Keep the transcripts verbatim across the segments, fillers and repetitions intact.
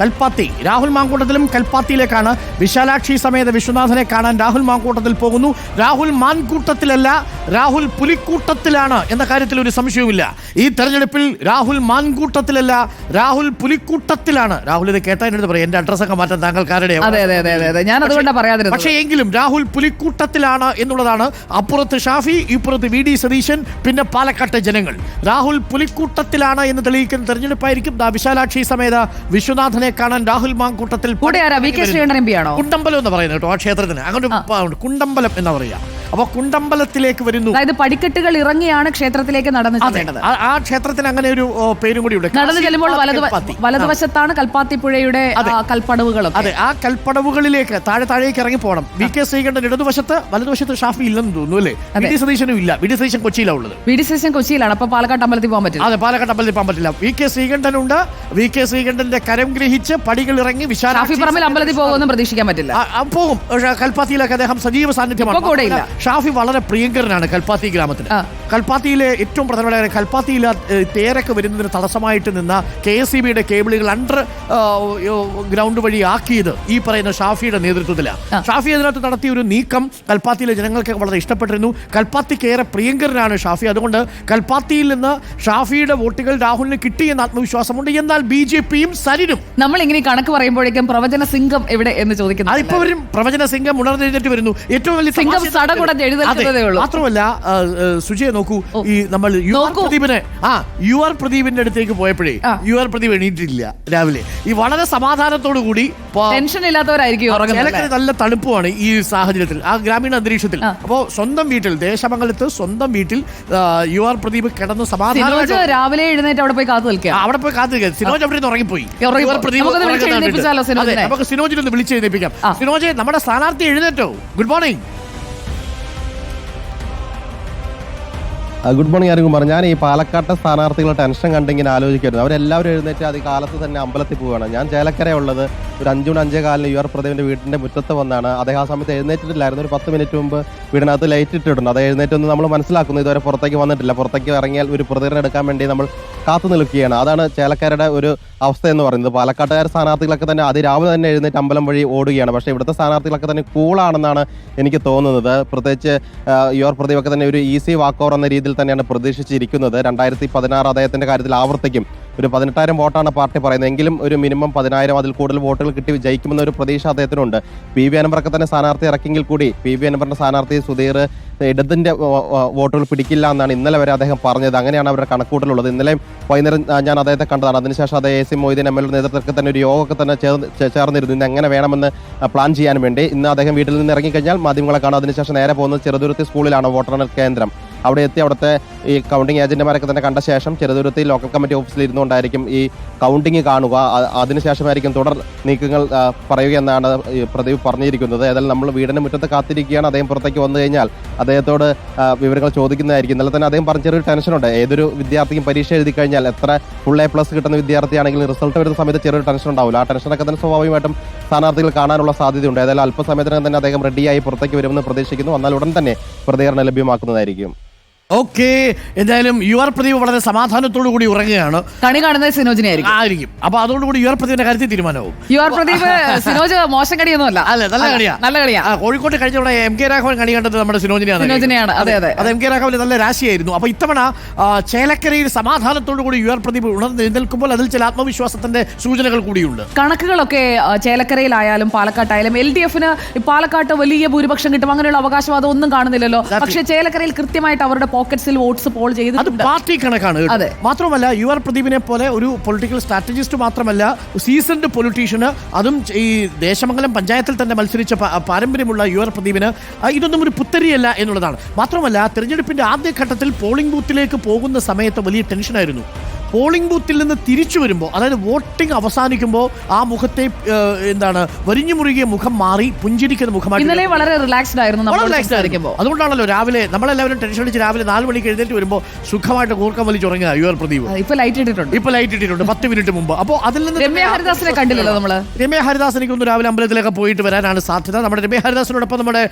കൽപ്പാത്തി. രാഹുൽ മാങ്കൂട്ടത്തിലും കൽപ്പാത്തിയിലേക്കാണ്. വിശാലാക്ഷി സമേത വിശ്വനാഥനെ കാണാൻ രാഹുൽ മാങ്കൂട്ടത്തിൽ പോകുന്നു. രാഹുൽ മാൻകൂട്ടത്തിലല്ല, രാഹുൽ പുലിക്കൂട്ടത്തിലാണ് എന്ന കാര്യത്തിൽ ഒരു സംശയവുമില്ല. ഈ തെരഞ്ഞെടുപ്പിൽ രാഹുൽ മാൻകൂട്ടത്തിലല്ല, രാഹുൽ പുലിക്കൂട്ടത്തിലാണ്. രാഹുൽ ഇത് കേട്ടാ എന്റെ പറയാം, എന്റെ അഡ്രസ്സൊക്കെ മാറ്റാൻ താങ്കൾക്കാരുടെ. പക്ഷേ എങ്കിലും രാഹുൽ പുലിക്കൂട്ടത്തിലാണ് എന്നുള്ളതാണ്. അപ്പുറത്ത് ഷാഫി, ഇപ്പുറത്ത് വി ഡി സതീശൻ, പിന്നെ പാലക്കാട്ടെ ജനങ്ങൾ. രാഹുൽ പുലിക്കൂട്ടത്തിലാണ് എന്ന് തെളിയിക്കുന്ന തെരഞ്ഞെടുപ്പായിരിക്കും. വിശാലാക്ഷി സമേത വിശ്വനാഥനെ കാണാൻ രാഹുൽ മാങ്കൂട്ടത്തിൽ കുണ്ടമ്പലം എന്ന് പറയുന്നത് കേട്ടോ. ആ ക്ഷേത്രത്തിന് അങ്ങനെ കുണ്ടമ്പലം എന്ന് പറയാ. അപ്പൊ കുണ്ടമ്പലത്തിലേക്ക് വരുന്നു. അതായത് പടിക്കെട്ടുകൾ ഇറങ്ങിയാണ് ക്ഷേത്രത്തിലേക്ക് നടന്നു ചെല്ലേണ്ടത്. ആ ക്ഷേത്രത്തിന് അങ്ങനെ ഒരു പേരും കൂടി ഉണ്ട്. നടന്നു ചെല്ലുമ്പോൾ വലതുവശത്താണ് കൽപ്പാത്തി പുഴയുടെ കൽപ്പടവുകളും. അതെ, ആ കൽപ്പടവുകളിലേക്ക് താഴെ താഴേക്ക് ഇറങ്ങി പോകണം. വി കെ ശ്രീകണ്ഠൻ ഇടതുവശത്ത്, വലതുവശത്ത് ഷാഫി ഇല്ലെന്ന് തോന്നുന്നു അല്ലേ? വി ഡി സതീശനും ഇല്ല. വി ഡി സതീശൻ കൊച്ചിയിലാണ് ഉള്ളത്. വി ഡി സതീശൻ കൊച്ചിയിലാണ്. അപ്പൊ പാലക്കാട് അമ്പലത്തിൽ പോകാൻ പറ്റില്ല. അതെ, പാലക്കാട് അമ്പലത്തിൽ പോകാൻ പറ്റില്ല. വി കെ ശ്രീകണ്ഠനുണ്ട്. വി കെ ശ്രീകണ്ഠന്റെ കരം ഗ്രഹിച്ച് പടികൾ ഇറങ്ങി ഷാഫി പറമ്പിൽ അമ്പലത്തിൽ പോകുമെന്ന് പ്രതീക്ഷിക്കാൻ പറ്റില്ല. പോകും. കൽപ്പാത്തിയിലൊക്കെ അദ്ദേഹം സജീവ സാന്നിധ്യമാണ്. ഷാഫി വളരെ പ്രിയങ്കരനാണ് കൽപ്പാത്തി ഗ്രാമത്തിന്. കൽപ്പാത്തിയിലെ ഏറ്റവും പ്രധാനപ്പെട്ട കൽപ്പാത്തിയിൽ തേരൊക്കെ വരുന്നതിന് തടസ്സമായിട്ട് നിന്ന കെ എസ് ഇ ബിയുടെ കേബിളുകൾ അണ്ടർ ഗ്രൗണ്ട് വഴി ആക്കിയത് ഈ പറയുന്ന ഷാഫിയുടെ നേതൃത്വത്തിലാണ്. ഷാഫി അതിനകത്ത് നടത്തിയ ഒരു നീക്കം കൽപ്പാത്തിയിലെ ജനങ്ങൾക്ക് വളരെ ഇഷ്ടപ്പെട്ടിരുന്നു. കൽപ്പാത്തിക്ക് ഏറെ പ്രിയങ്കരനാണ് ഷാഫി. അതുകൊണ്ട് കൽപ്പാത്തിയിൽ നിന്ന് ഷാഫിയുടെ വോട്ടുകൾ രാഹുലിന് കിട്ടിയെന്ന് ആത്മവിശ്വാസമുണ്ട്. എന്നാൽ ബി ജെ പിയും സരിനും നമ്മൾ ഇങ്ങനെ കണക്ക് പറയുമ്പോഴേക്കും പ്രവചന സിംഗം എവിടെ എന്ന് ചോദിക്കുന്നു. അതിപ്പോ വരും. പ്രവചന സിംഗം ഉണർന്നെഴുന്നേറ്റ് വരുന്നു. ഏറ്റവും വലിയ മാത്രമല്ല സുജയെ നോക്കൂ, ഈ നമ്മൾ യു ആർ പ്രദീപിനെ ആ യു ആർ പ്രദീപിന്റെ അടുത്തേക്ക് പോയപ്പോഴേ യു ആർ പ്രദീപ് എണീറ്റില്ല രാവിലെ. ഈ വളരെ സമാധാനത്തോടു കൂടി ടെൻഷൻ ഇല്ലാത്തവരായിരിക്കും. നല്ല തണുപ്പുമാണ് ഈ സാഹചര്യത്തിൽ, ആ ഗ്രാമീണ അന്തരീക്ഷത്തിൽ. അപ്പോ സ്വന്തം വീട്ടിൽ, ദേശമംഗലത്ത് സ്വന്തം വീട്ടിൽ യു ആർ പ്രദീപ് കിടന്ന് സമാധാനം രാവിലെ എഴുന്നേറ്റ് അവിടെ പോയി കാത്തു നിൽക്കുക. അവിടെ പോയി കാത്തു നിൽക്കുക. സിനോജ് അവിടെ നിന്ന് ഉറങ്ങിപ്പോയി. നമുക്ക് സിനോജിനൊന്ന് വിളിച്ചെഴുന്നേപ്പിക്കാം. സിനോജ്, നമ്മുടെ സ്ഥാനാർത്ഥി എഴുന്നേറ്റോ? Good morning. Good morning Arunkumar. ഞാൻ ഈ പാലക്കാട്ടെ സ്ഥാനാർത്ഥികളുടെ ടെൻഷൻ കണ്ടിങ്ങനെ ആലോചിക്കായിരുന്നു. അവരെല്ലാവരും എഴുന്നേറ്റ് അത് കാലത്ത് തന്നെ അമ്പലത്തിൽ പോവുകയാണ്. ഞാൻ ചേലക്കരയുള്ളത് ഒരു അഞ്ചു മണി അഞ്ചേ കാലിന് യു ആർ പ്രദീപിന്റെ വീടിന്റെ മുറ്റത്ത് വന്നാണ്. അദ്ദേഹം ആ സമയത്ത് എഴുന്നേറ്റിട്ടില്ലായിരുന്നു. ഒരു പത്ത് മിനിറ്റ് മുമ്പ് വീടിനകത്ത് ലൈറ്റ് ഇട്ടിട്ടുണ്ട്. അത് എഴുന്നേറ്റൊന്ന് നമ്മൾ മനസ്സിലാക്കുന്നു. ഇതുവരെ പുറത്തേക്ക് വന്നിട്ടില്ല. പുറത്തേക്ക് ഇറങ്ങിയാൽ ഒരു പ്രതികരണം എടുക്കാൻ വേണ്ടി നമ്മൾ കാത്തു നിൽക്കുകയാണ്. അതാണ് ചേലക്കരയുടെ ഒരു അവസ്ഥ എന്ന് പറയുന്നത്. പാലക്കാട്ടുകാർ സ്ഥാനാർത്ഥികളൊക്കെ തന്നെ അതിരാവിലെ തന്നെ എഴുന്നേറ്റ് അമ്പലം വഴി ഓടുകയാണ്. പക്ഷേ ഇവിടുത്തെ സ്ഥാനാർത്ഥികളൊക്കെ തന്നെ കൂളാണെന്നാണ് എനിക്ക് തോന്നുന്നത്. പ്രത്യേകിച്ച് യു ആർ പ്രദീപൊക്കെ തന്നെ ഒരു ഈസി വാക്ക് ഓവർ എന്ന രീതിയിൽ തന്നെയാണ് പ്രതീക്ഷിച്ചിരിക്കുന്നത്. രണ്ടായിരത്തി പതിനാറ് അദ്ദേഹത്തിന്റെ കാര്യത്തിൽ ആവർത്തിക്കും. ഒരു പതിനെട്ടായിരം വോട്ടാണ് പാർട്ടി പറയുന്നത്. എങ്കിലും ഒരു മിനിമം പതിനായിരം അതിൽ കൂടുതൽ വോട്ടുകൾ കിട്ടി ജയിക്കുമെന്ന ഒരു പ്രതീക്ഷ അദ്ദേഹത്തിനുണ്ട്. പി വി അൻവറൊക്കെ തന്നെ സ്ഥാനാർത്ഥി ഇറക്കിയെങ്കിൽ കൂടി പി വി അൻവറിന്റെ സ്ഥാനാർത്ഥി സുധീർ ഇടതിന്റെ വോട്ടുകൾ പിടിക്കില്ല എന്നാണ് ഇന്നലെ വരെ അദ്ദേഹം പറഞ്ഞത്. അങ്ങനെയാണ് അവരുടെ കണക്കൂട്ടലുള്ളത്. ഇന്നലെ വൈകുന്നേരം ഞാൻ അദ്ദേഹത്തെ കണ്ടതാണ്. അതിനുശേഷം അദ്ദേഹം A C Moideen M L A നേതൃത്വത്തിൽ തന്നെ ഒരു യോഗമൊക്കെ തന്നെ ചേർന്നിരുന്നു. ഇന്ന് എങ്ങനെ വേണമെന്ന് പ്ലാൻ ചെയ്യാൻ വേണ്ടി. ഇന്ന് അദ്ദേഹം വീട്ടിൽ നിന്ന് ഇറങ്ങിക്കഴിഞ്ഞാൽ മാധ്യമങ്ങളെ കാണും. അതിനുശേഷം നേരെ പോകുന്നത് ചെറുതുരുത്തി സ്കൂളിലാണ്, വോട്ടെണ്ണൽ കേന്ദ്രം. അവിടെ എത്തി അവിടുത്തെ ഈ കൗണ്ടിംഗ് ഏജന്റുമാരൊക്കെ തന്നെ കണ്ട ശേഷം ചെറുതുരുത്തി ലോക്കൽ കമ്മിറ്റി ഓഫീസിൽ ഇരുന്നുകൊണ്ടായിരിക്കും ഈ കൗണ്ടിംഗ് കാണുക. അതിനുശേഷമായിരിക്കും തുടർ നീക്കങ്ങൾ പറയുകയെന്നാണ് പ്രദീപ് പറഞ്ഞിരിക്കുന്നത്. ഏതായാലും നമ്മൾ വീടിന് മുറ്റത്ത് കാത്തിരിക്കുകയാണ്. അദ്ദേഹം പുറത്തേക്ക് വന്നു കഴിഞ്ഞാൽ അദ്ദേഹത്തോട് വിവരങ്ങൾ ചോദിക്കുന്നതായിരിക്കും. ഇന്നലെ തന്നെ അദ്ദേഹം പറഞ്ഞ ചെറിയൊരു ടെൻഷനുണ്ട്. ഏതൊരു വിദ്യാർത്ഥിക്കും പരീക്ഷ എഴുതി കഴിഞ്ഞാൽ എത്ര ഫുൾ എ പ്ലസ് കിട്ടുന്ന വിദ്യാർത്ഥിയാണെങ്കിലും റിസൾട്ട് വരുന്ന സമയത്ത് ചെറിയൊരു ടെൻഷൻ ഉണ്ടാവില്ല. ആ ടെൻഷനൊക്കെ തന്നെ സ്വാഭാവികമായിട്ടും സ്ഥാനാർത്ഥികൾ കാണാനുള്ള സാധ്യതയുണ്ട്. ഏതായാലും അല്പസമയത്തിനകം തന്നെ അദ്ദേഹം റെഡിയായി പുറത്തേക്ക് വരുമെന്ന് പ്രതീക്ഷിക്കുന്നു. എന്നാൽ ഉടൻ തന്നെ പ്രതികരണം ലഭ്യമാക്കുന്നതായിരിക്കും. ഓക്കെ, എന്തായാലും യു ആർ പ്രദീപ് വളരെ സമാധാനത്തോടു കൂടി ഉറങ്ങുകയാണ്. കണി കാണുന്നത് സിനോജിനെ ആയിരിക്കും. അപ്പൊ അതോടുകൂടി യു ആർ പ്രദീപിന്റെ കാര്യത്തിൽ തീരുമാനവും. യു ആർ പ്രദീപ് സിനോജ് മോശം കടിയൊന്നുമല്ല, അല്ല നല്ല കളിയാ, നല്ല കളിയാ. കോഴിക്കോട്ട് കഴിഞ്ഞ ഇവിടെ എം കെ രാഘവൻ കണി കണ്ടത് നമ്മുടെ സിനോജിനെയാണ്. സിനോജിനെയാണ്. അതെ അതെ, അത് എം കെ രാഘവൻ നല്ല രാശിയായിരുന്നു. അപ്പൊ ഇത്തവണ ചേലക്കരയിൽ സമാധാനത്തോടു കൂടി യു ആർ പ്രദീപ് ഉണർന്നെഴുന്നേൽക്കുമ്പോൾ അതിൽ ചില ആത്മവിശ്വാസത്തിന്റെ സൂചനകൾ കൂടിയുണ്ട്. കണക്കുകളൊക്കെ ചേലക്കരയിലായാലും പാലക്കാട്ടായാലും എൽ ഡി എഫിന് പാലക്കാട്ട് വലിയ ഭൂരിപക്ഷം കിട്ടും അങ്ങനെയുള്ള അവകാശവാദം ഒന്നും കാണുന്നില്ലല്ലോ. പക്ഷേ ചേലക്കരയിൽ കൃത്യമായിട്ട് അവരുടെ പോക്കറ്റ്സിൽ വോട്ട്സ് പോൾ ചെയ്ത് അത് പാർട്ടി കണക്കാണ്. മാത്രമല്ല യു ആർ പ്രദീപിനെ പോലെ ഒരു പൊളിറ്റിക്കൽ സ്ട്രാറ്റജിസ്റ്റ് മാത്രമല്ല, സീസൺഡ് പൊളിറ്റീഷ്യന്, അതും ഈ ദേശമംഗലം പഞ്ചായത്തിൽ തന്നെ മത്സരിച്ച പാരമ്പര്യമുള്ള യു ആർ പ്രദീപിന് ഇതൊന്നും ഒരു പുത്തരിയല്ല എന്നുള്ളതാണ്. മാത്രമല്ല തെരഞ്ഞെടുപ്പിന്റെ ആദ്യഘട്ടത്തിൽ പോളിംഗ് ബൂത്തിലേക്ക് പോകുന്ന സമയത്ത് വലിയ ടെൻഷനായിരുന്നു. പോളിംഗ് ബൂത്തിൽ നിന്ന് തിരിച്ചു വരുമ്പോൾ, അതായത് വോട്ടിംഗ് അവസാനിക്കുമ്പോൾ ആ മുഖത്തെ എന്താണ് വരിഞ്ഞു മുറുകിയ മുഖം മാറി പുഞ്ചിരിക്കുന്ന മുഖമായിട്ട് വളരെ റിലാക്സ്ഡ് ആയിരുന്നു. അതുകൊണ്ടാണല്ലോ രാവിലെ നമ്മളെല്ലാവരും ടെൻഷൻ അടിച്ച് രാവിലെ നാല് മണിക്ക് എഴുന്നേറ്റ് വരുമ്പോൾ സുഖമായിട്ട് കൂർക്കം വലിച്ചുറങ്ങിയ യു ആർ പ്രദീപ്. ഇപ്പൊ ലൈറ്റ് ഇട്ടിട്ടുണ്ട് ഇപ്പൊ ലൈറ്റ് ഇട്ടിട്ടുണ്ട് പത്ത് മിനിറ്റ് മുമ്പ്. അപ്പോൾ അതിൽ നിന്ന് രമ്യ ഹരിദാസിനെ കണ്ടില്ലല്ലോ നമ്മള്. രമ്യ ഹരിദാസ് എനിക്കൊന്ന് രാവിലെ അമ്പലത്തിലൊക്കെ പോയിട്ട് വരാനാണ് സാധ്യത. നമ്മുടെ രമ്യ ഹരിദാസിനോടൊപ്പം നമ്മുടെ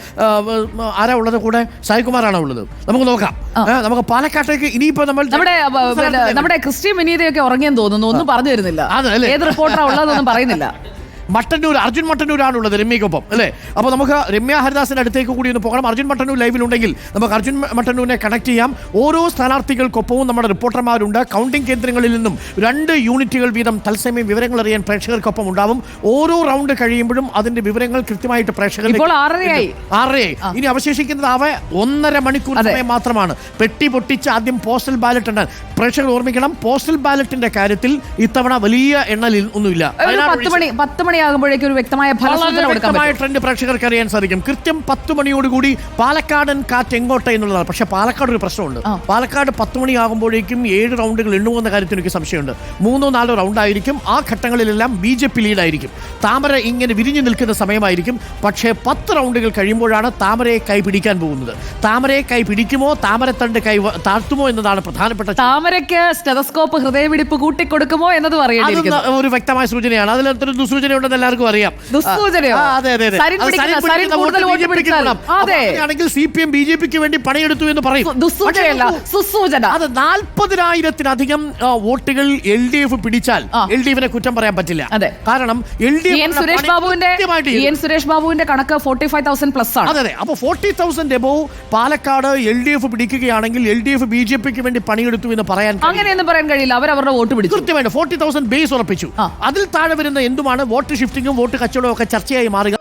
ആരാ ഉള്ളത്? കൂടെ സായികുമാറാണോ ഉള്ളത്? നമുക്ക് നോക്കാം. നമുക്ക് പാലക്കാട്ടേക്ക് ഇനിയിപ്പോ നമ്മൾ നമ്മുടെ നമ്മുടെ ക്രിസ്ത്യൻ ശശി വിനീതയൊക്കെ ഉറങ്ങിയെന്ന് തോന്നുന്നു, ഒന്നും പറഞ്ഞു തരുന്നില്ല. അതല്ലേ? ഏത് റിപ്പോർട്ടറാ ഉള്ളതെന്നൊന്നും പറയുന്നില്ല. മട്ടന്നൂർ അർജുൻ മട്ടന്നൂരാണുള്ളത് രമ്യക്കൊപ്പം അല്ലേ? അപ്പോൾ നമുക്ക് രമ്യ ഹരിദാസിന്റെ അടുത്തേക്ക് കൂടി ഒന്ന് പോകണം. അർജുൻ മട്ടന്നൂർ ലൈവിലുണ്ടെങ്കിൽ നമുക്ക് അർജുൻ മട്ടന്നൂരിനെ കണക്ട് ചെയ്യാം. ഓരോ സ്ഥാനാർത്ഥികൾക്കൊപ്പവും നമ്മുടെ റിപ്പോർട്ടർമാരുണ്ട്. കൗണ്ടിംഗ് കേന്ദ്രങ്ങളിൽ നിന്നും രണ്ട് യൂണിറ്റുകൾ വീതം തത്സമയം വിവരങ്ങൾ അറിയാൻ പ്രേക്ഷകർക്കൊപ്പം ഉണ്ടാവും. ഓരോ റൗണ്ട് കഴിയുമ്പോഴും അതിന്റെ വിവരങ്ങൾ കൃത്യമായിട്ട് പ്രേക്ഷകർ ഇപ്പോൾ ആറരയായി ആറരയായി ഇനി അവശേഷിക്കുന്നത് അവ ഒന്നര മണിക്കൂർ സമയം മാത്രമാണ്. പെട്ടി പൊട്ടിച്ച് ആദ്യം പോസ്റ്റൽ ബാലറ്റ് ഉണ്ട്. പ്രേക്ഷകർ ഓർമ്മിക്കണം, പോസ്റ്റൽ ബാലറ്റിന്റെ കാര്യത്തിൽ ഇത്തവണ വലിയ എണ്ണലിൽ ഒന്നുമില്ല. പത്ത് മണി പത്ത് മണിയാകുമ്പോഴേക്കും ഒരു വ്യക്തമായ ഫലസൂചന കൊടുക്കാൻ പറ്റും. ട്രെൻഡ് പ്രേക്ഷകർക്ക് അറിയാൻ സാധിക്കും. കൃത്യം പത്ത് മണിയോടുകൂടി പാലക്കാടൻ കാറ്റ് എങ്ങോട്ട് എന്നുള്ളതാണ്. പക്ഷെ പാലക്കാട് ഒരു പ്രശ്നമുണ്ട്. പാലക്കാട് പത്ത് മണിയാകുമ്പോഴേക്കും ഏഴ് റൗണ്ടുകൾ എണ്ണുമെന്ന കാര്യത്തിൽ എനിക്ക് സംശയമുണ്ട്. മൂന്നോ നാലോ റൗണ്ട് ആയിരിക്കും. ആ ഘട്ടങ്ങളിലെല്ലാം ബി ജെ പി ലീഡായിരിക്കും. താമര ഇങ്ങനെ വിരിഞ്ഞു നിൽക്കുന്ന സമയമായിരിക്കും. പക്ഷേ പത്ത് റൗണ്ടുകൾ കഴിയുമ്പോഴാണ് താമരയെ കൈ പിടിക്കാൻ പോകുന്നത്. താമരയെ കൈ പിടിക്കുമോ താമരത്തണ്ട് കൈ താഴ്ത്തുമോ എന്നതാണ് പ്രധാനപ്പെട്ട. താമരയ്ക്ക് സ്റ്റെതസ്കോപ്പ് ഹൃദയമിടിപ്പ് കൂട്ടിക്കൊടുക്കുമോ എന്നതും അറിയേണ്ടിയിരിക്കുന്നു. ഒരു വ്യക്തമായ സൂചനയാണ്. അതിലൊരു ദുസൂചന ഉണ്ടെന്ന് എല്ലാവർക്കും അറിയാം. ആണെങ്കിൽ C P M B J പിക്ക് വേണ്ടി പണിയെടുത്തു എന്ന് പറയും. അത് നാൽപ്പതിനായിരത്തിലധികം വോട്ടുകൾ എൽ ഡി എഫ് പിടിച്ചാൽ എൽ ഡി എഫിനെ കുറ്റം പറയാൻ പറ്റില്ല. കാരണം എൽ ഡി എഫ് സുരേഷ് ബാബുവിന്റെ സുരേഷ് ബാബുവിന്റെ കണക്ക് ഫോർട്ടി ഫൈവ് തൗസൻഡ് പ്ലസ് ആണ്. അതെ അതെ. അപ്പൊ forty thousand above Palakkad L D F പിടിക്കുകയാണെങ്കിൽ L D F B J പിക്ക് വേണ്ടി പണിയെടുത്തു എന്ന് പറയാൻ അങ്ങനെയൊന്നും പറയാൻ കഴിയില്ല. അവർ അവരുടെ വോട്ട് പിടിച്ചു. കൃത്യമായിട്ട് ഫോർട്ടി തൗസൻഡ് ബേസ് ഉറപ്പിച്ചു. അതിൽ താഴെ വരുന്ന എന്തുമാണ് വോട്ട് ഷിഫ്റ്റിങ്ങും വോട്ട് കച്ചവടവും ഒക്കെ ചർച്ചയായി മാറുക.